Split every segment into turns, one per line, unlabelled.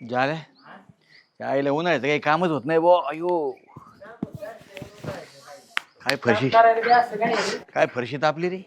झालं आईला उन्हाळ्याचं काही कामच होत नाही बो. अयो काय फरशी काय फरशी तापली रे.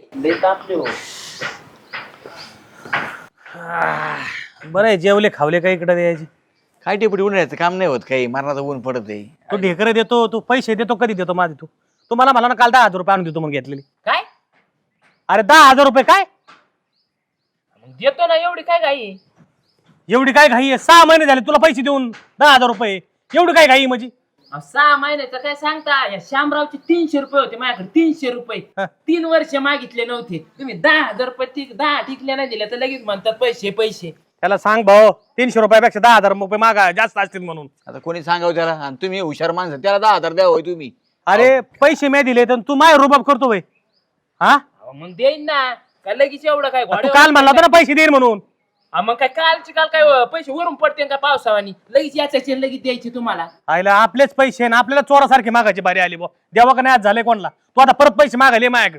बरं आहे, जेवले खावले काही इकडे द्यायचे.
काय टेपडी उन्हाळ्याचं काम नाही होत काही, मरणाचं ऊन पडत आहे.
तू ढेकर देतो, तू पैसे देतो, कधी देतो माझे तू? तू मला ना काल 10,000 रुपये आणून देतो मग घेतलेली.
काय
अरे 10,000 रुपये काय
मग देतो ना, एवढी काय घाई?
एवढी काय घाई आहे? 6 महिने झाले तुला पैसे देऊन 10,000 रुपये, एवढी काय घाई म्हणजे?
6 महिन्याचं काय सांगता? या शामरावचे 300 रुपये होते माझ्याकडे, 300 रुपये.
हा.
3 वर्ष मागितले नव्हते, तुम्ही 10,000 रुपये 10 टिकले नाही दिले तर लगेच म्हणतात पैसे पैसे.
त्याला सांग भाऊ, 300 रुपयापेक्षा 10,000 रुपये मागा जास्त असतील म्हणून.
आता कोणी सांगावं त्याला, आणि तुम्ही हुशार माणसं त्याला 10,000 द्या होय तुम्ही.
अरे पैसे मी दिले तर तू माय रुबाब करतो भाई. हा
अहो, मग देईन ना, काय लगेच एवढं काय
तू
घोड्यावर
काल म्हणला होता ना पैसे देईन म्हणून.
मग काय कालचे काल काय पैसे वरून पडते का पावसावानी? लगेच याच्याचे लगेच द्यायचे तुम्हाला.
आईला आपलेच पैसे ना आपल्याला चोरासारखे मागायची बारी आली बा. देवा का नाही आज झाले कोणला? तू आता परत पैसे मागायले माझ्याकडे.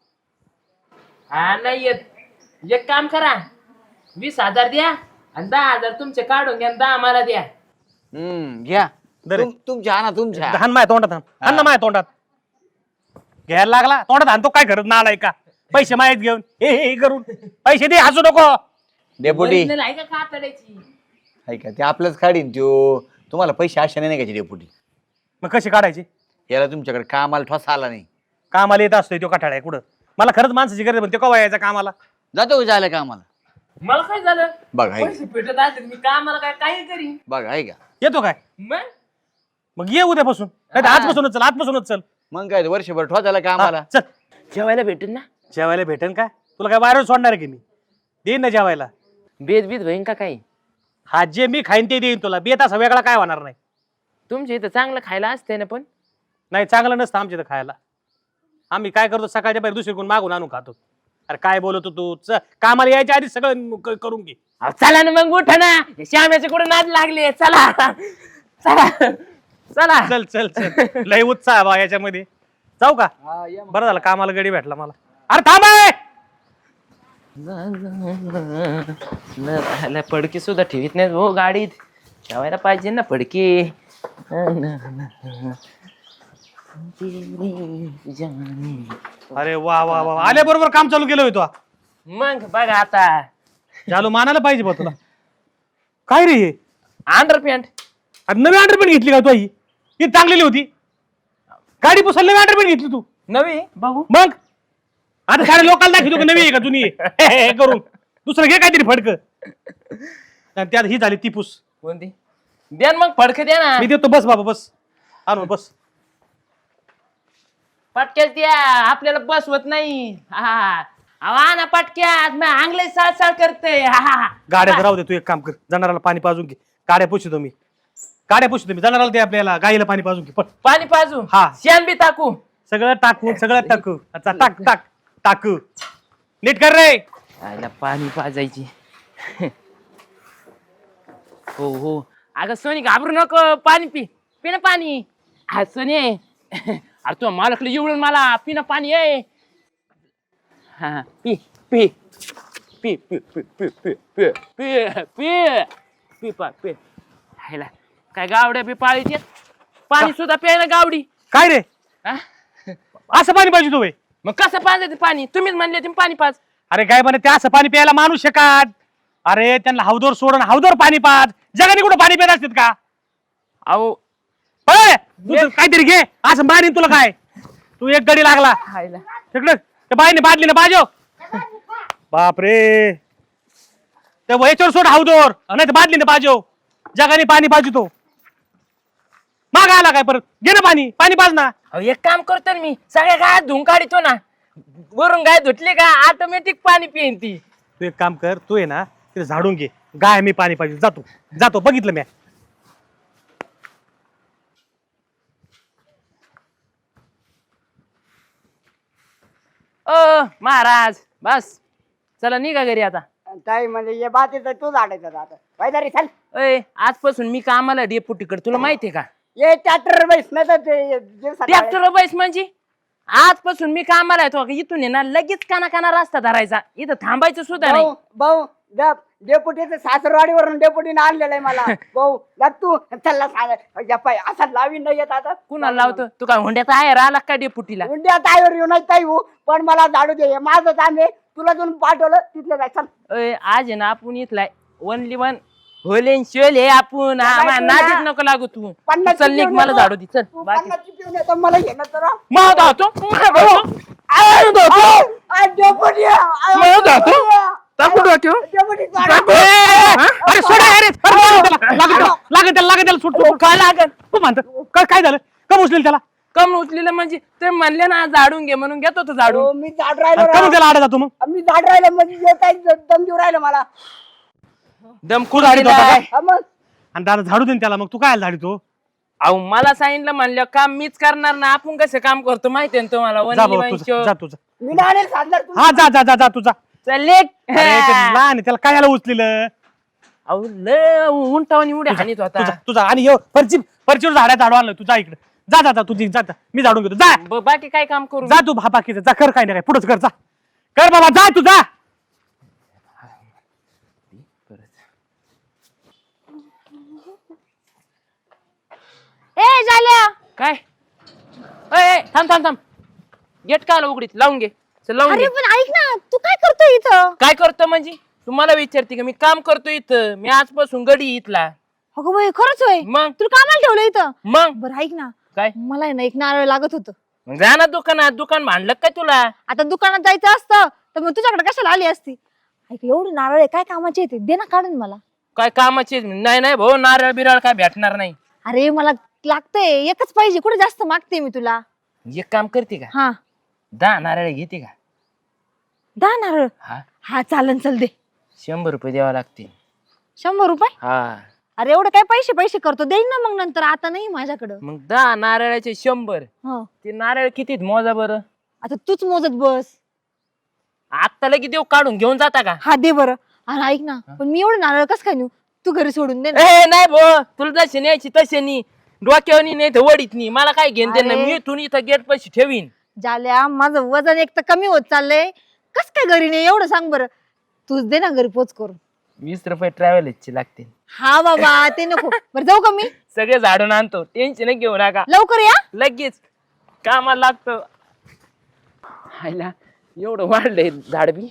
हा नाही येत. एक काम करा, 20,000 द्या आणि 10,000 तुमचे काढून घ्या, 10 मला द्या.
घ्या
दरे.
तुमच्या आणा तुमच्या.
हान माझ्या तोंडात हान ना माझ्या तोंडात. घ्यायला लागला तोंडात हाणतो काय करत ना आलाय का? पैसे माहीत घेऊन हे करून पैसे दे, हसू नको.
डेपुटी
Original आहे का कातड्याची?
ऐका ते आपलंच काढीन त्यो. तुम्हाला पैसे आशाने नाही घ्यायचे डेपुटी.
मग कशी काढायची?
याला तुमच्याकडे कामाला ठोसा आला नाही.
कामाला येत असतोय तो कठाळा आहे कुठं? मला खरंच माणसाची गरज पण ते कवा यायचा कामाला?
जातो का जायला कामाला?
मला काय झालं?
बघा ऐका
पैसे भेटत असेल मी कामाला काय काही करीन.
बघा ऐका.
येतो काय?
मग
मग ये उद्यापासून, नाही आजपासूनच चल, आजपासूनच चल.
मग काय वर्षभर ठोसायला कामाला.
चल
जेवायला भेटेल ना?
जेवायला भेटेन का? तुला काय बाहेर सोडणार आहे की मी? देईन ना जेवायला.
बेद बीत होईन का काही?
हा जे मी खाईन ते देईन तुला. बेत असा वेगळा काय होणार नाही.
तुमच्या इथं चांगलं खायला असते ना, पण
नाही चांगलं नसतं आमच्या इथं खायला. आम्ही काय करतो सकाळच्या बाहेर दुसरीकडून मागून आणून खातो. अरे काय बोलतो तू? कामाला यायच्या आधी सगळं करून घे.
अहो, चला ना मग, उठा ना. श्याम्याचे कुठे नाद लागले. चला चला चला.
चल चल चल. लय उत्साह बा याच्यामध्ये. जाऊ का? बरं झालं कामाला गडी भेटला मला. अरे थांब आहे.
पडकी सुद्धा ठेवीत नाही हो गाडीत. ठेवायला पाहिजे ना पडकी.
अरे वा वा वा, आल्याबरोबर काम चालू केलं होतो.
मग बघा आता,
झालो मानायला पाहिजे बा तुला. काय रे हे?
अंडरपॅन्ट.
अरे नवी अंडरपॅन्ट घेतली का तू? ही चांगलेली होती. गाडी पुसायला नवी अंडरपॅन्ट घेतली तू?
नवी भाऊ.
मग आता सारे लोकांना दाखवतो का नवी आहे का जुनी आहे? हे करून दुसरं घे काहीतरी फडक. त्यात ही झाली ती पुस.
कोणती? द्या ना मग फडक, द्या ना.
मी देतो. बस बाबा बस. आणून बस.
पटक्याच द्या, आपल्याला बसवत नाही. हा ना पटक्यात आंगले साळ करते.
गाड्या राहू दे. तू एक काम कर, जनावराला पाणी पाजून घे. गाड्या पुसतो मी. गाड्या पुसतो मी. जनावराला दे आपल्याला गाईला पाणी पाजून घे. पण
पाणी पाजू.
हा.
शेण बी टाकू.
सगळं टाकू, सगळं टाकू. अच्छा टाक टाक टाकू. नीट कर रे.
आईला पाणी पाजायची. हो हो. अगं सोनी घाबरू नको, पाणी पी. पी ना पाणी. हा सोनी, अरे तू मालकला एवढून मला पी ना पाणी आहे. हा पी पी पी पी पी पी पी पी पी पी पी. हायला काय गावड्या बी पाळीचे. पाणी सुद्धा प्यायला गावडी.
काय रे
हा?
असं पाणी पाहिजे तू?
मग कसं पाजायचं पाणी? तुम्हीच म्हणले तुम्ही पाणी पाज.
अरे काय म्हणे ते असं पाणी प्यायला माणूस शकत? अरे त्यांना हौदोर सोडून हौदोर पाणी पाज. जगाने कुठं पाणी पित असतात का?
अहो
काहीतरी घे. असं मारीन तुला काय? तू एक गडी लागला
हायला.
तिकडे त्या बाईने बादली ना बाजो. बापरे. त्या याच्यावर सोड हौदोर, नाही तर बादली ना बाजो. जगाने पाणी पाजतो. माग आला काय परत? घे ना पाणी. पाणी पाज ना.
अहो एक काम करतो ना मी, सगळ्या गाय धुवून काढतो ना. वरून गाय धुतली का ऑटोमॅटिक पाणी पिईन ती.
तू एक काम कर, तू आहे ना तिथे झाडून घे. गाय मी पाणी पाहिजे. जातो जातो. बघितलं मी.
ओ महाराज बस, चला निघा घरी आता.
ताई म्हणजे ये बात आहे तू झाडायचं आता पाहिजे चल.
अय आजपासून मी कामाला डेपुटीकडे, तुला माहितीये का?
ये ट्रॅक्टर बैस नाही तर ते दिवसात
ट्रॅक्टर बैस म्हणजे आजपासून मी कामाला येतो. इथून आहे ना लगेच काना रस्ता धरायचा. इथं थांबायचं सुद्धा नाही.
भाऊ भाऊ डेपुटीचं सासरवाडीवरून डेपुटीने आणलेलं आहे मला भाऊ जा तू चल्ला सांग असा लावी नाही येत आता
कुणाला लावतो तू काय हुंड्याचा आहे राहिला का डेपुटीला
उंड्या ताईवर येऊ नाही ताई हो पण मला झाडू दे माझं काम आहे तुला जाऊन पाठवलं तिथलं जाय चल
आज आहे ना आपण इथला ओनली वन होलेन शोल हे आपण नादीत नको लागू तू चल निघ मला झाडू दे चल बाकी
50 पिऊन येतो मला घेणं तर
मग धावतो
अरे सोडा अरे लागेल सुट
काय लागल
तू म्हणतो काय झालं कम उचलेल त्याला
कम उचलेलं म्हणजे ते म्हणले ना झाडून घे म्हणून घेतो तो झाडून
मी झाड राहिलो
कम त्याला आडा जातो मग
मी झाड राहिलं म्हणजे येत आहे दम देऊ राहिलं मला
दम
तू झाडीत होता का?
हा मग
आणि दादा झाडू दे त्याला मग तू काय झाडी तो
अहो मला सांगितलं म्हणलं काम मीच करणार ना आपण कसं काम करतो माहितीये ना तुम्हाला
जा
only
भाऊ
one
तुझा
show.
जा तुझा
मी नाही सांगणार तू
हा जा तुझा
चल लेक
लहान आहे, त्याला काय याला उचलेलं
अहो लय उंटावणी उड्या हानीत होता
तुझा आणि हे फरचीवर झाड्या झाडू आणलं तुझा इकडे जा तुझी जा मी झाडून घेतो जा
बाकी काय काम करू
जा तू बाकीचं जा कर काय नाही काय पुढंच कर जा कर बाबा जा तू जा
ए झाल्या
काय थांब गेट का उघडीत लावून घे चल लावून
अरे
घे
पण ऐक ना तू काय करतोय इथं
काय करतो म्हणजे तुम्हाला विचारते का मी काम करतो इथं मी आजपासून गडी इथला
अगं बाई खरंच होय
मग
तुला कामाला ठेवलं इथं
मग
बरं ऐक ना
काय
मला आहे ना एक नारळ लागत होतं
मग जा ना दुकानात दुकान भांडलं काय तुला
आता दुकानात जायचं असतं तर मग तुझ्याकडे कशाला आली असती ऐक एवढे नारळ आहे काय कामाचे येते दे ना काढून मला
काय कामाची नाही भाऊ नारळ बिरळ काय भेटणार नाही
अरे मला लागतंय एकच पाहिजे कुठे जास्त मागते मी तुला
एक काम करते का
हा
10 नारळ घेते का
10 नारळ
हा
हा चालन चल दे
100 रुपये द्यावा लागतील
100 रुपये
हा
अरे एवढं काय पैसे करतो देईन ना मग नंतर आता नाही माझ्याकडं
मग 10 नारळाचे 100
हो
ते नारळ कितीत मोजा बरं
आता तूच मोजत बस
आता लगेच देऊ काढून घेऊन जाता का
हा दे बरं अरे ऐक ना पण मी एवढं नारळ कसं काय नेऊ तू घरी सोडून दे ना
ए नाही भाऊ तुला जशी न्यायची तशी नी डोक्यावनी नाही तर वडीत नी मला काय घेऊन दे ना
अरे.
मी इथून इथं गेट पैसे ठेवीन
झाल्या माझं वजन एक तर कमी होत चाललंय कस काय घरी नाही एवढं सांग बरं तूच दे ना घरी पोच करून
20 रुपये ट्रॅव्हलचे लागतील
हा बाबा ते नको बरं जाऊ का मी
सगळे झाडून आणतो टेन्शन घेऊ नका
लवकर या
लगेच कामाला लागतो हायला एवढं वाढलंय झाड बी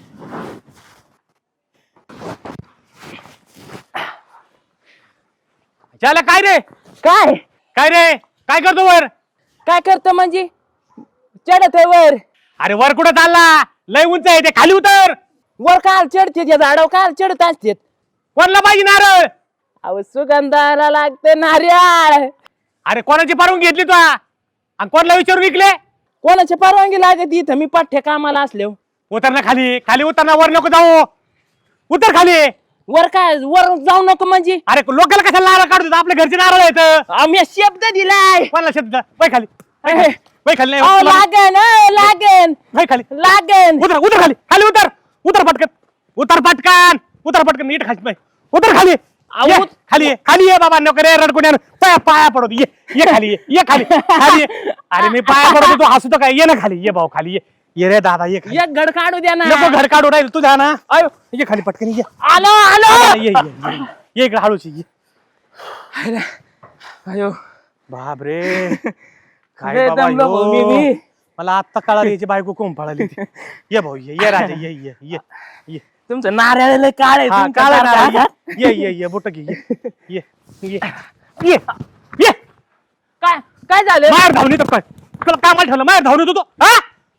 त्याला काय रे
काय
रे काय करतो वर
काय करतो म्हणजे चढत आहे वर
अरे वर कुठं चालला लय उंच आहे ते खाली उतर
वर काल चढते त्या झाडावर काल चढत असते
कोणला पाहिजे नारळ
अहो सुगंधाला लागते नारळ
अरे कोणाची परवानगी घेतली तू आणि कोणाला विचारून विकले
कोणाची परवानगी लागत इथं मी पाठ्या कामाला असले
उतर ना खाली उतर ना वर नको जाऊ उतर खाली
वर काय वर जाऊ नको म्हणजे
अरे लोकांना कशाला नारळ काढतो आपल्या घरचे नारळ आहेत
आम्ही शब्द दिलाय
कोणाला शब्द वय खाली वय खाली नाही
अहो,
तुला-
लागन
वय खाली
लागन
उतर खाली उतर पटकन नीट खाली उतर खाली
अहो,
ये, खाली ये बाबा नको रे रडकुण्या पाया पडतो ये खाली ये. अरे मी पाया पडतो तू हसतो काय ये ना खाली ये भाऊ खाली ये रे दादा ये खाली
एक घड काढू द्या ना
नको घर काढू राहील तू जा ना अयो ये खाली पटकन ये
आलो
ये इकडे हळूची ये
अयो
बाप रे काय
लय
बाबा
दमलो भाऊ मी
ह्यो.
बी.
मला आत्ता कळाली याची बायको कोण पळाली ती. ये भाऊ ये राजा ये
तुमचं नारळ काळ आहे
हा
तुमचं
काळा
नारळ.
नारळ. ये बोट घे ये
काय झालं
मार धावणी तर काय तुला कामाला ठेवलं मार धावणी तू हा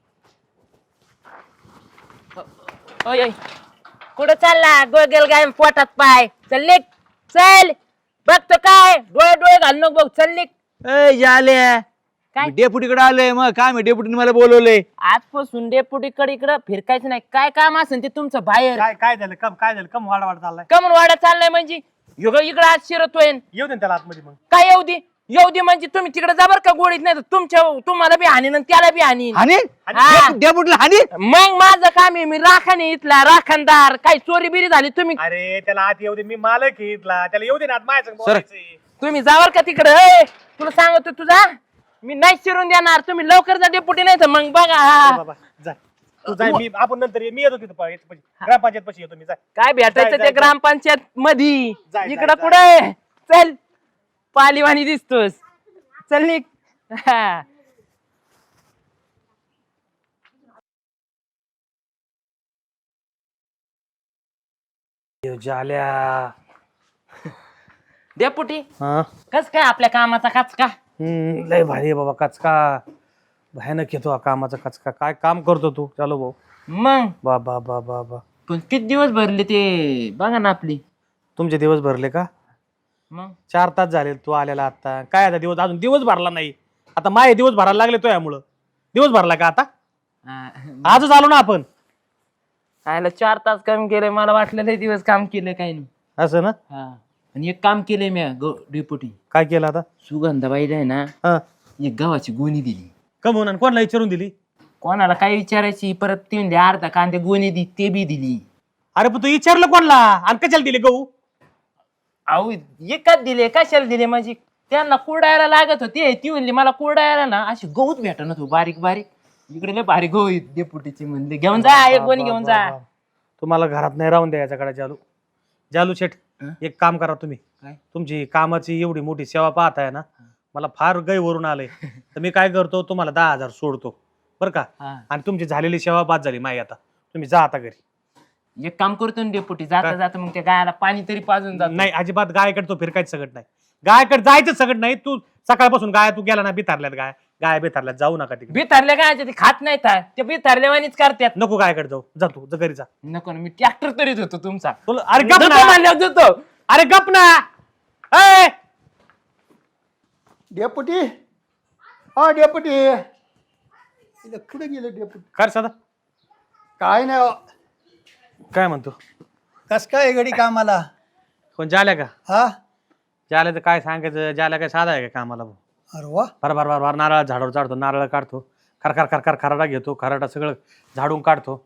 ओय, ओय. कुठं चालला गोगल गाय पोटात पाय चल निघ. चल बघतो काय डोळे घाल नको बघ चल निघ.
झाले
काय?
डेपुटीकडे आलोय मग काय मी डेपुटीने मला बोलवलंय
आजपासून डेपुटीकडे इकडं फिरकायचं नाही काय काम असेल ते तुमचं बाहेर
काय झालं कम वाढ चाललाय
कमन वाडा चाललाय म्हणजे इकडं आज शिरतोय
येऊ दे ना त्याला आतमध्ये मग
काय येऊ दे म्हणजे तुम्ही तिकडे जा बरं का गोडीत नाही तर तुम्हाला बी हानीन आणि त्याला बी हानीन
हानी
हा.
डेपुटीला हानी
मग माझं काम आहे मी राखाने इथला राखणदार काही चोरी बिरी झाली तुम्ही
अरे त्याला आत येऊ दे मी मालक आहे इथला त्याला येऊ दे ना आत माझ्या संग बोलायचंय.
तुम्ही जावर का तिकडे तुला सांगतो तुझा मी नाही शिरून देणार तुम्ही लवकर जा डेपुटी नाही तर मग बघा
ए
हा.
बाबा जा तू जाय मी आपण नंतर मी येतो तिथं ग्रामपंचायत पाशी येतो मी जाय
काय भेटायचं
जाय,
ते
जाय.
ग्रामपंचायत मधी
जाय,
इकडं
जाय.
कुठे चल पालीवाणी दिसतोस चल निघ हा.
झाल्या
डेपुटी
हा
कस काय आपल्या कामाचा कचका
लय भारी आहे बाबा कचका भयानक येतो हा कामाचा कचका काय काम करतो तू चालो भाऊ
मग
बा बा बा बा बा
पण किती दिवस भरले ते बघा ना आपली
तुमचे दिवस भरले का
मग
4 तास झाले तू आलेला आता काय आता दिवस अजून दिवस भरला नाही आता माये दिवस भरायला लागले तो यामुळं दिवस भरला का आता
हा.
आजच आलो ना आपण
आयला 4 तास काम केलंय मला वाटलं लय दिवस काम केलंय काही नाही
असं ना
हा आणि एक काम केलंय मी डेपुटी
काय केलं आता
सुगंधाबाईला आहे ना
हा
एक गव्हाची गोणी दिली
कमवून आणि कोणाला विचारून दिली
कोणाला काय विचारायची परत ती म्हणली अर्धा कांदे गोणी दी ते बी दिली
अरे पण तू विचारलं कोणला आणि कशाला दिले गहू
अहो एकाच दिले कशाला दिले म्हणजे त्यांना कुरडायला लागत होते ती म्हणली मला कुरडायला ना अशी गहूच भेटत तू बारीक बारीक इकडे लय भारी गहू आहेत डेपुटीची म्हणले घेऊन जा एक गोणी घेऊन जा
तुम्हाला घरात नाही राहून द्यायच्याकडे जालू शेठ
हं?
एक काम करा तुम्ही
काय?
तुमची कामाची एवढी मोठी सेवा पाहताय ना मला फार गैवरून आलंय तर मी काय करतो तुम्हाला 10,000 सोडतो बरं का
हा.
आणि तुमची झालेली सेवा बाद झाली माई आता तुम्ही जा आता घरी
एक काम करतो ना डेपुटी जाता
काय?
जाता मग त्या गायाला पाणी तरी पाजून जात
नाही अजिबात गायकडे तो फिरकायचं सगळं नाही गायकडे जायचं सगळं नाही तू सकाळपासून गाय तू गेला ना बिथारल्यात गाय बिथारल्यात जाऊ नका तिकडे
बिथारल्या गायच्या ते खात नाही ते बिथारल्यावानीच करतात
नको गायकडे जाऊ जा तू घरी जा
नको ना मी ट्रॅक्टर तरीच होतो तुमचा
तुला अरे गप
देतो
ना
म्हणल्यावर देतो
अरे गप ना ए!
डेपुटी हा डेपुटी इथं कुठे गेले डेपुटी
कर सदा
काय नाही हो.
काय म्हणतो
कस काय घडी कामाला
कोण जाल्या का
हा
जाल्या तर काय सांगायचं जाल्या काय साधा आहे का कामाला भाऊ
अरे वा
बार नारळ झाडावर चढतो नारळ काढतो खरखर खराडा घेतो खराडा सगळं झाडून काढतो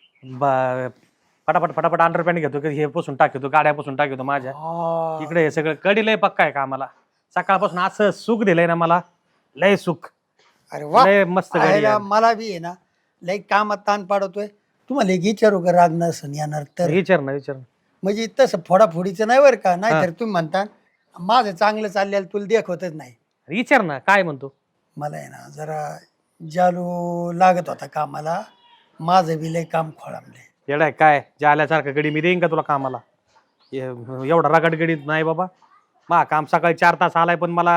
फटाफट अंडरपॅन्ट घेतो की हे पुसून टाकतो गाड्या पुसून टाकतो माझ्या इकडे हे सगळं कडी लय पक्का आहे कामाला सकाळपासून असं सुख दिलंय ना मला लय सुख
अरे वा
लय मस्त गाडी
आयला
आहे.
मला बी आहे ना लई कामात ताण पाडतोय तुम्हाला एक विचारू का राग नसन येणार तर
विचार ना
म्हणजे तसं फोडाफोडीचं नाही बरं का नाहीतर तुम्ही म्हणता माझं चांगलं चाललेलं तुला देखवतच नाही
विचार ना काय म्हणतो
मला आहे ना जरा जालू लागत होता कामाला माझं बी लय काम खोळंबले
येडाय काय जाल्यासारखं गडी मी देईन का तुला कामाला एवढा रगड गडी नाही बाबा मा काम सकाळी 4 तास आलाय पण मला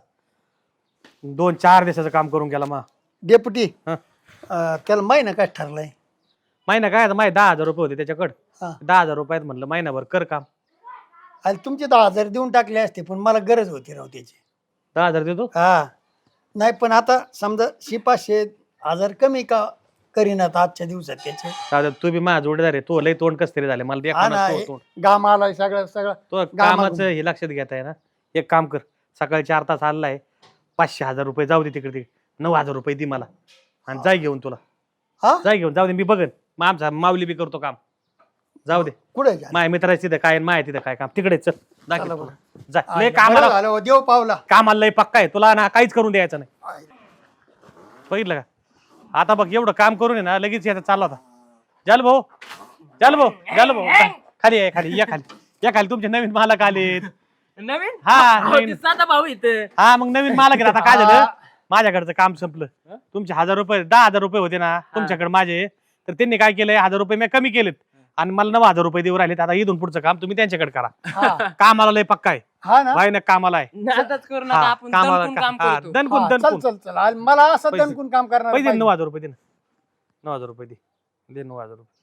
2-4 दिवसाचं काम करून गेला मा
डेपुटी
हं.
त्याला महिना काय ठरलंय
महिना काय माहिती 10,000 रुपये होते त्याच्याकडे
हा.
10,000 रुपयात म्हणलं महिनाभर कर काम
आणि तुमचे 10,000 देऊन टाकले असते पण मला गरज होती राव त्याची
10,000 देतो
हा नाही पण आता समजा 500-1000 कमी का करीनात आजच्या दिवसात त्याचे
दादा तू बी माझा जोडीदार आहे तो लय तोंड कस तरी झाले मला
हा
देखा
ना
ना तोंड
गाम आलाय सगळं सगळं
तो कामाचं हे लक्षात घेत आहे ना एक काम कर सकाळी 4 तास आलाय 500-1000 रुपये जाऊ दे तिकडे 9,000 रुपये दे मला आणि जाय घेऊन तुला
हा
जाय घेऊन जाऊ दे मी बघन मग आमचा माऊली बी करतो काम जाऊ दे
कुठे
माय मित्राची तिथं काय माय तिथं काय काम तिकडे चल दाखव
चला
तुला. जा लय कामाला
झालं हो, देव पावला
कामाला लय पक्का आहे तुला ना काहीच करून द्यायचं नाही बघितलं का आता बघ एवढं काम करून आहे ना लगेच याचा चालला होता जाल भाऊ जा, खाली आहे खाली या खाली तुमचे नवीन मालक आलेत
नवीन
हा
अहो,
नवीन
ते साधा भाऊ इथं
हा मग नवीन मालक आहेत. आता काय झालं माझ्याकडचं काम संपलं तुमचे 1000 रुपये 10,000 रुपये होते ना तुमच्याकडे माझे तर त्यांनी काय केलंय 1000 रुपये मी कमी केलेत आणि मला 9,000 रुपये देऊ राहिलेत आता इथून पुढचं काम तुम्ही त्यांच्याकडे करा
हा
कामाला लय पक्का आहे
हा ना
भाई ना कामाला आहे
नादाच करू नका
हा,
आपण दणकून काम
हा,
करतो
दणकून
हा, चल
दणकून
चल चल आणि मला असं
पैसे-
दणकून काम करणार
पैसे
पाहिजे.
9,000 रुपये दे ना 9,000 रुपये दे 9,000 रुपये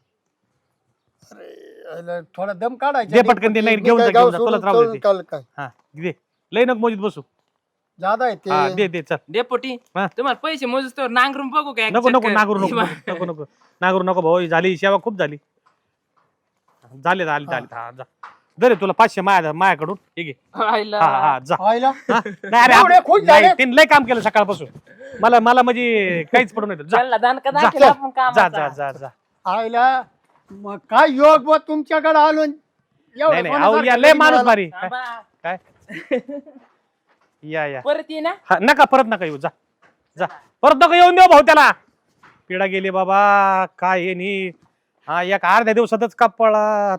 अरे, थोडा दम काढायचा
दे पटकन दे, नाही, घेऊन जा, घेऊन जा, तुलाच राहू दे ते.
काय
हा दे लय नको मोजीत बसू
जादा आहे
हा
ते
दे दे चल
डेपोटी
हा.
तुम्हाला पैसे मोजूस तर नांगरून बघू काय
नको नको नागरू नको नागरू नको भाऊ झाली सेवा खूप झाली झाले हा जा दरे तुला 500 माझ्याकडून हे घे हा हा जा
आईला
हा? नाही अरे
एवढे खुश झाले?
नाही, त्यांनी लय काम केलं सकाळपासून मला म्हणजे काहीच पडून येतं जा
चल ना, दानका
जा,
दाखल आपण
जा
कामाचा.
जा जा
आईला मग काय योग बा तुमच्याकडे आलो एवढं
नाही नाही अहो या
कोणासारखं
लय
कधी
माणूस
मिळालं?
भारी
थांबा.
काय या
परत ये ना
हा, नका परत नका येऊ जा जा परत नका येऊन देऊ भाऊ त्याला पिढा गेली बाबा, काय हे नी. हा एक अर्ध्या दिवसातच कपळात.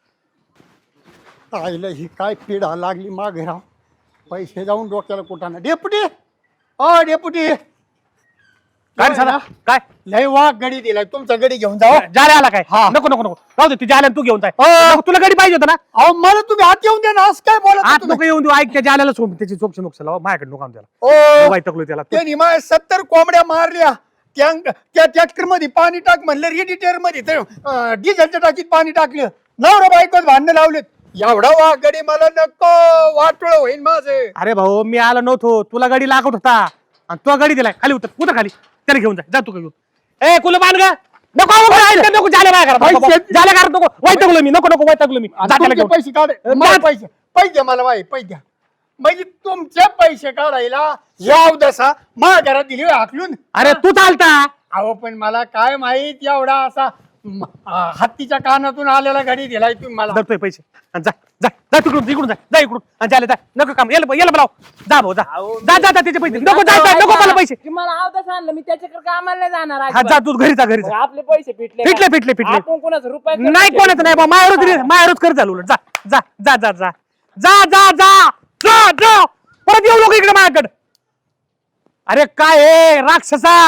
आईला ही काय पिढा लागली मागे राव. पैसे जाऊन डोक्याला कुठाना. डेपुटी डेपुटी
काय रे साला? काय
लय वाघ गडी दिलाय. तुमचा गडी घेऊन जाओ.
जाले आला काय?
हा.
नको नको नको राहू दे, ती जाल्या तू घेऊन जाय. नको, तुला गाडी पाहिजे होता ना.
अहो मला तुम्ही हात येऊन द्या ना. असं काय बोलत
आत
तुम्ही?
नको येऊन देऊ. ऐक त्या जाल्याला सोड, त्याची चोक्ष मोक्ष लावा. माझ्याकडे नको आम त्याला.
ओ
वाईटकलो त्याला.
त्यांनी माझ्या 70 कोंबड्या मारल्या. त्या ट्रॅक्टर मध्ये पाणी टाक म्हणलं. रेडिएटर मध्ये डिझेलच्या टाकीत पाणी टाकलं. नवरा बायकोच भांडणं लावलेत. एवढा वाघ गडी मला नको. वाटोळ होईन माझे.
अरे भाऊ मी आलो नव्हतो, तुला गाडी लागत होता आणि तुला गाडी दिलाय. खाली उतर खाली. त्याला घेऊन जा तू घेऊन. ए कुल बांध ग. नको नको जाल्या माझ्या घरात. जाल्या घरात नको. वैतागलो मी. नको वैतागलो मी. जा त्याला घेऊन.
पैसे काढ. मला पैसे द्या. मला पैसे द्या. म्हणजे तुमचे पैसे काढायला याव दसा माझ्या घरात दिली हाकलून.
अरे तू चालता.
अहो पण मला काय माहित एवढा असा हत्तीच्या कानातून आलेला गाडी दिलाय तुम्ही मला.
धरतोय पैसे आणि जा जा जा तिकडून जा इकडून आणि जाले जा. नको काम याला बोलाव. जा भाऊ जा जा जा त्याचे पैसे. नको नको मला पैसे.
मला आवडत आणलं मी त्याच्याकडे कामाला नाही जाणार
हा जा तू घरी जा.
आपले पैसे
फिटले
आपण कोणाचं रुपये
नाही कोणाचं नाही बा. मायावरच कर चालू. जा जा जा जा जा जा जा जा जा जा परत येऊ नको इकडे माझ्याकडे. अरे काय हे राक्षसा.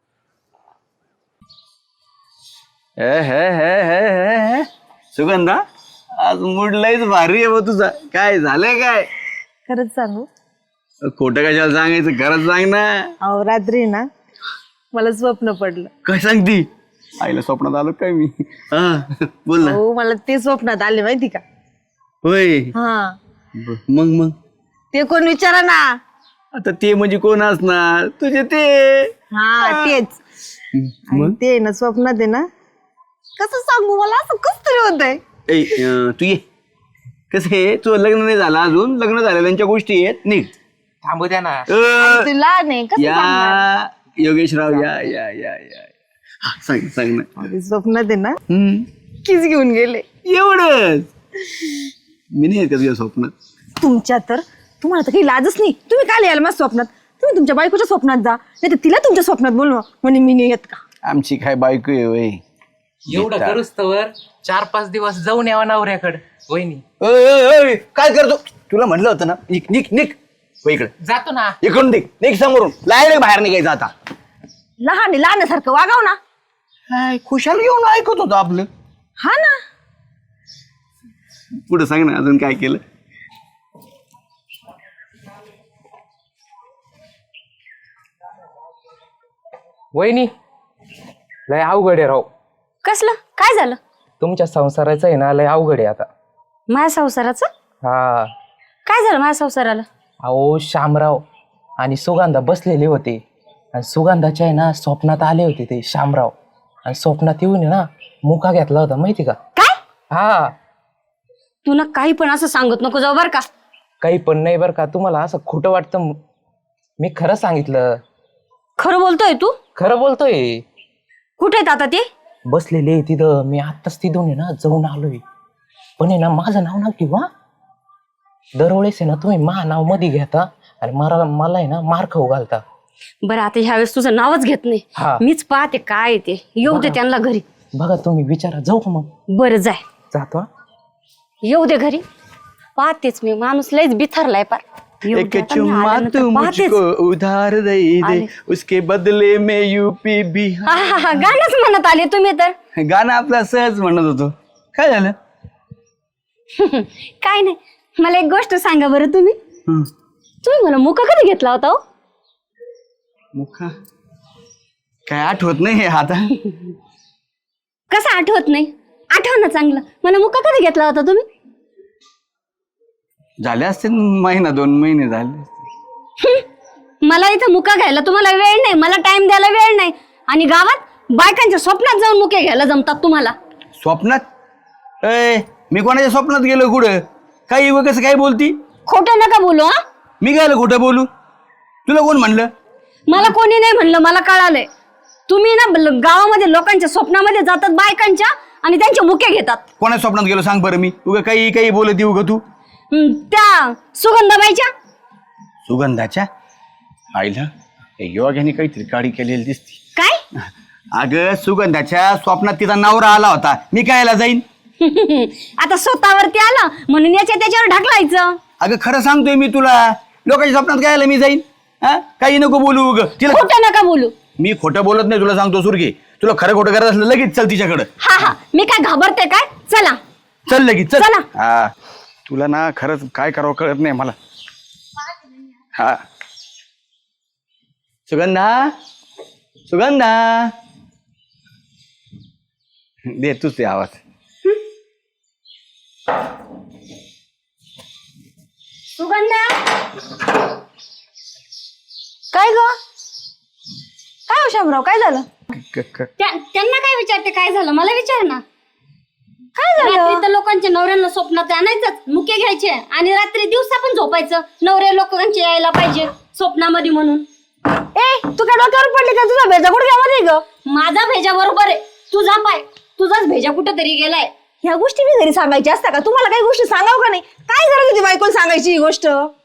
सुगंधा आज मूड लयच भारी आहे बा तुझा. काय झालंय काय?
खरंच सांगू?
खोटं कशाला सांगायचं? खरंच सांग ना.
अहो रात्री ना मला स्वप्न पडलं.
काय सांगती? आईला स्वप्नात आलो काय मी? हा बोल ना.
हो मला ते स्वप्नात आले माहिती का?
होय
हा
मग
ते कोण विचारा ना.
आता ते म्हणजे कोण असणार? तुझे ते.
हा तेच. आणि
मग
ते ना स्वप्नात आहे ना. कसं सांगू मला असं कस तरी होतंय.
तू ये. कसं आहे तुझं लग्न नाही झालं अजून. लग्न झालेल्यांच्या गोष्टी आहेत. निघ.
थांबू द्या ना.
ते लहान आहे कसं सांगणार?
या योगेशराव या या या या. हा, सांग ना.
ते स्वप्नात आहे ना किस घेऊन गेले.
एवढंच? मी नाही येत का तुझ्या स्वप्नात?
तुमच्या तर तुम्हाला तर काही लाजच नाही. तुम्ही काय यायला माझ्या स्वप्नात? तुम्ही तुमच्या बायकोच्या स्वप्नात जा नाही तर तिला तुमच्या स्वप्नात बोलवा म्हणजे मी नाही येत का?
आमची काय बायको आहे वय.
एवढं करूच तर 4-5 दिवस जाऊन यावा नवऱ्याकडे. वहिनी
काय करतो? तुला म्हणलं होतं ना. निक इकडे
जातो ना.
इकडून निक समोरून. लायला बाहेर निघायचं आता.
लहानासारखं वागाव ना.
काय खुशाल घेऊन ऐकत होतो आपलं.
हा ना.
पुढे सांग ना अजून काय केलं?
वहिनी लय अवघड आहे राव.
कसलं काय झालं?
तुमच्या संसाराचं आहे ना लय अवघड आहे आता.
माझ्या संसाराचं
हा
काय झालं? माझ्या संसाराला
अहो शामराव आणि सुगंधा बसलेले होते आणि सुगंधाच्या आहे ना स्वप्नात आले होते ते शामराव. आणि स्वप्नात येऊन आहे ना मुका घेतला होता माहिती का?
काय?
हा
तू ना काही पण असं सांगत नको जाऊ बर का.
काही पण नाही बरं का. तुम्हाला असं खोटं वाटतं? मी खरं सांगितलं.
खरं बोलतोय तू?
खरं बोलतोय.
कुठे आहेत आता ते?
बसलेले आहे तिथं. मी आत्ताच तिथून आहे ना जाऊन आलोय. पण आहे ना माझं नाव ना किंवा दरवेळेस आहे ना तुम्ही नाव मध्ये घेता आणि मला आहे ना मार खाऊ घालता.
बरं आता ह्या वेळेस तुझं नावच घेत नाही.
हा.
मीच पाहते काय ते. येऊ दे त्यांना घरी.
बघा तुम्ही विचारा. जाऊ का मग?
बरं जाय.
जातो हा.
येऊ दे घरी. पाहतेच मी. माणूस लयच बिथरलाय पार. येऊ
एक
दे आता, मी
चुम्मा
आल्यानंतर
तू
पाहतेच.
मुझको उधार दे दे
आले.
उसके बदले में यूपी बिहार.
हा, गाणंच म्हणत आले तुम्ही तर.
गाणं आपला सहज म्हणत होतो. काय झालं?
काय नाही. मला एक गोष्ट सांगा बरं तुम्ही. तुम्ही मला मुका कधी घेतला होता?
मुखा काय आठवत नाही आता.
कसं आठवत नाही? आठव ना चांगलं. मला मुका कधी घेतला होता तुम्ही?
झाले असते महिना 2 महिने झाले.
मला इथं मुका घ्यायला तुम्हाला वेळ नाही. मला टाइम द्यायला वेळ नाही. आणि गावात बायकांच्या स्वप्नात जाऊन मुके घ्यायला जमतात तुम्हाला.
स्वप्नात? मी कोणाच्या स्वप्नात गेलो कुठं? काही कसं काय बोलती?
खोटं नका बोलू. हा
मी काय खोटं बोलू? तुला कोण म्हणलं?
मला कोणी नाही म्हणलं. मला कळालंय. तुम्ही ना गावामध्ये लोकांच्या स्वप्नामध्ये जातात बायकांच्या आणि त्यांचे मुके घेतात.
कोणाच्या स्वप्नात गेलो सांग बरं. मी उगा काही बोलत येऊ का तू?
त्या सुगंधाबाईच्या.
सुगंधाच्या आईला योग्याने काहीतरी गाडी केलेली दिसती.
काय?
अगं सुगंधाच्या स्वप्नात तिचा नवरा आला होता, मी कायला जाईन?
आता स्वतःवरती आला म्हणून याच्या त्याच्यावर ढकलायचं.
अगं खरं सांगतोय मी तुला, लोकांच्या स्वप्नात कायला मी जाईन? हा, काही नको बोलू उग तिला.
खोटं नका बोलू.
मी खोटं बोलत नाही, तुला सांगतो सुरगे. तुला खरं खोटं करत असलं लगेच चल तिच्याकडं.
हा हा, मी काय घाबरते काय? चला
चल लगेच चल.
चला.
हा, तुला ना खरंच काय करावं कळत नाही मला. हा, सुगंधा सुगंधा दे तूच ते आवाज.
सुगंधा. काय ग? काय हो शामराव, काय झालं? त्यांना काय विचारते काय झालं? मला विचार ना. काय झालं? रात्री तर लोकांच्या नवऱ्यांना स्वप्नात आणायचंच, मुके घ्यायचे आणि रात्री दिवसा पण झोपायचं. नवरे लोकांचे यायला पाहिजे स्वप्नामध्ये म्हणून.
ए तू काय डोक्यावर पडली का? तुझा भेजा गुडघ्यामध्ये ग.
माझा भेजा बरोबर आहे, तुझा पाय, तुझाच भेजा कुठेतरी गेलाय.
ह्या गोष्टी मी घरी सांगायची असता का? तुम्हाला काही गोष्टी सांगाव का नाही? काय गरज होती बायकोला सांगायची ही गोष्ट?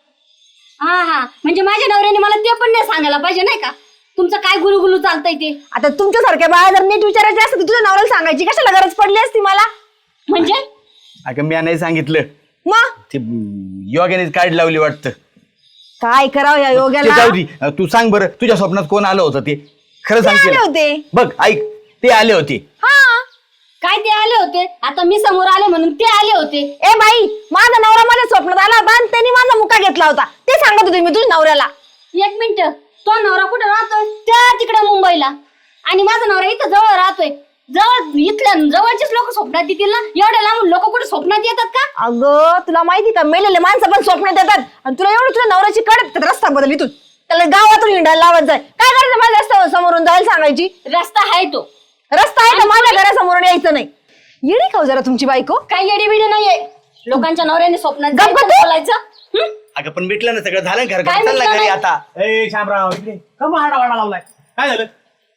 हा हा, म्हणजे माझ्या नवऱ्याने मला ते पण नाही सांगायला पाहिजे नाही का? तुमचं काय गुलुगुलू चालतंय ते.
आता तुमच्यासारख्या बाळा जर नीट विचारायची असतं तर तुझ्या नवऱ्याला सांगायची कशाला गरज पडली असती मला?
म्हणजे
अगं मी नाही सांगितलं,
मग
ते योग्यानेच काढ लावली वाटतं.
काय करावं या
ते
योग्याला?
जाऊ दे. तू सांग बरं, तुझ्या स्वप्नात कोण आलं होतं ते? खरं
ते आले
सांग.
होते.
बघ ऐक, ते आले होते.
हा.
काय ते आले होते? आता मी समोर आले म्हणून ते आले होते.
ए बाई, माझा नवरा माझ्या स्वप्नात आला होता आणि त्यांनी माझा मुका घेतला होता. ते सांगत होते मी तुझ्या नवऱ्याला.
एक मिनिट, तो नवरा कुठे राहतोय? त्या तिकडे मुंबईला, आणि माझा नवरा इथं जवळ राहतोय. जवळ इथल्या जवळचेच लोक स्वप्नात येतील ना? एवढ्या लांबून लोक कुठे स्वप्नात येतात का?
अगं तुला माहिती का, मेलेले माणसं पण स्वप्नात येतात. आणि तुला एवढं तुझ्या नवऱ्याची कडक रस्ता बदल इथून त्याला गावातून हिंडायला लावत जाय. काय करायचं? माझ्या रस्त्यावर समोरून जायला सांगायची.
रस्ता आहे तो.
रस्ता आहे तर माझ्या घरासमोरून यायचं नाही. येडी का हो जरा तुमची बायको?
काही येडी बिडी नाहीये. लोकांच्या नवऱ्याने स्वप्नात
गप्प
जायचं,
तू.
बोलायचं. हं?
अगं पण भेटलं ना सगळं, झालं खरं.
काय
चालला
भेटलं
घरी
नाही?
आता.
ए शामराव इकडे का वाडा लावलाय? काय झालं?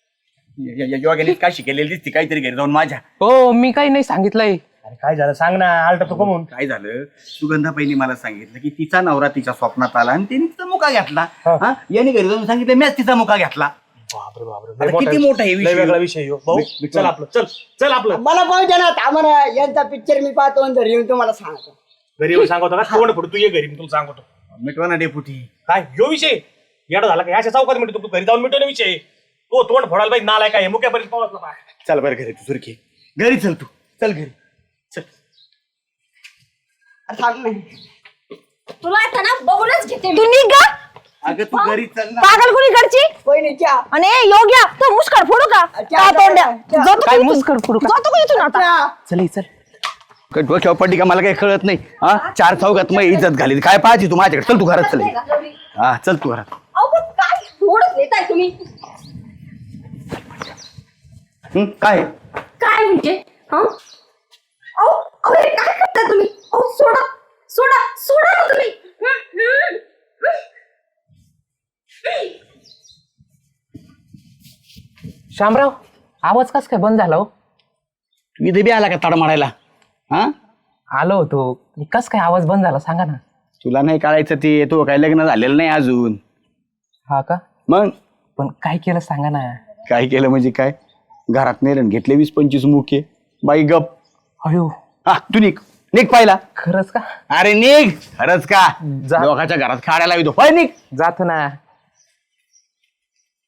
योग्याने काय शिकेलेली दिसते काहीतरी घरी जाऊन माझ्या.
हो, मी काही नाही सांगितलंय.
अरे काय झालं सांग ना, आलटा तू कमून.
काय झालं, सुगंधा पहिली मला सांगितलं की तिचा नवरा तिच्या स्वप्नात आला आणि तिने तिचा मुका घेतला. हा, याने घरी जाऊन सांगितलं मीच तिचा मुका घेतला.
बापरे बापरे,
आता किती मोठा हे
लय
विषय.
वेगळा विषय आहे हो. भाऊ चल आपलं, चल चल आपलं.
मला पाहू द्या ना, आम्हाला यांचा पिक्चर मी पाहतो आणि घरी येऊन तुम्हाला सांगतो.
घरी येऊन सांगतो का? तोंड फोड, तू ये घरी, मी तुला सांगतो.
मिटवा ना डेपुटी.
काय ह्यो विषय येडा झाला का? अशा चौकात मिळतो, तू घरी जाऊन मिटवणे विषय. तो तोंड फोडायला पाहिजे, नालाय काय मुक्यापर्यंत पावसला पाहिजे.
चल बरं घरी, तू सुरखी घरी चल, तू चल घरी चल.
अरे सांग ना.
तुला आता ना बघूनच घेते
तू
मी.
निघ ग.
अगं तू घरी चल ना.
पागल कुणी करची?
वहिनीच्या
आणि ए, योग्या तो मुस्काड फोडू का? काय तोंड्या? जातो का
काय
इथून?
मुस्काड फोडू का?
जातो का इथून आता?
चल चल.
काय डोक्यावर पडली का? मला काही कळत नाही. हा, चार चौकात मग इज्जत घाली. काय पाहायची तू माझ्याकडे? चल तू घरात चल. हा चल तू घरात.
अहो, पण काय थोडं घेताय तुम्ही?
काय
काय म्हणजे? हं? अहो, अहो, हे काय करताय तुम्ही? अहो, सोडा सोडा सोडा ना तुम्ही. हं, हं, हं.
शामराव, आवाज कस काय बंद झाला हो?
तू इथे बी आला का ताड मारायला? हा,
आलो होतो, कस काय आवाज बंद झाला सांगा ना.
तुला नाही कळायचं ते, तो काय लग्न झालेलं नाही अजून.
हा का?
मग
पण काय केलं सांगा ना.
काय केलं म्हणजे काय? घरात नेलं घेतले 20-25 मुके. बाई गप.
अयो,
हा तू निघ निघ पाहिला.
खरंच का?
अरे निघ. खरंच का?
जा.
लोकांच्या घरात खाड्याला येतो. पाय निघ.
जातो ना.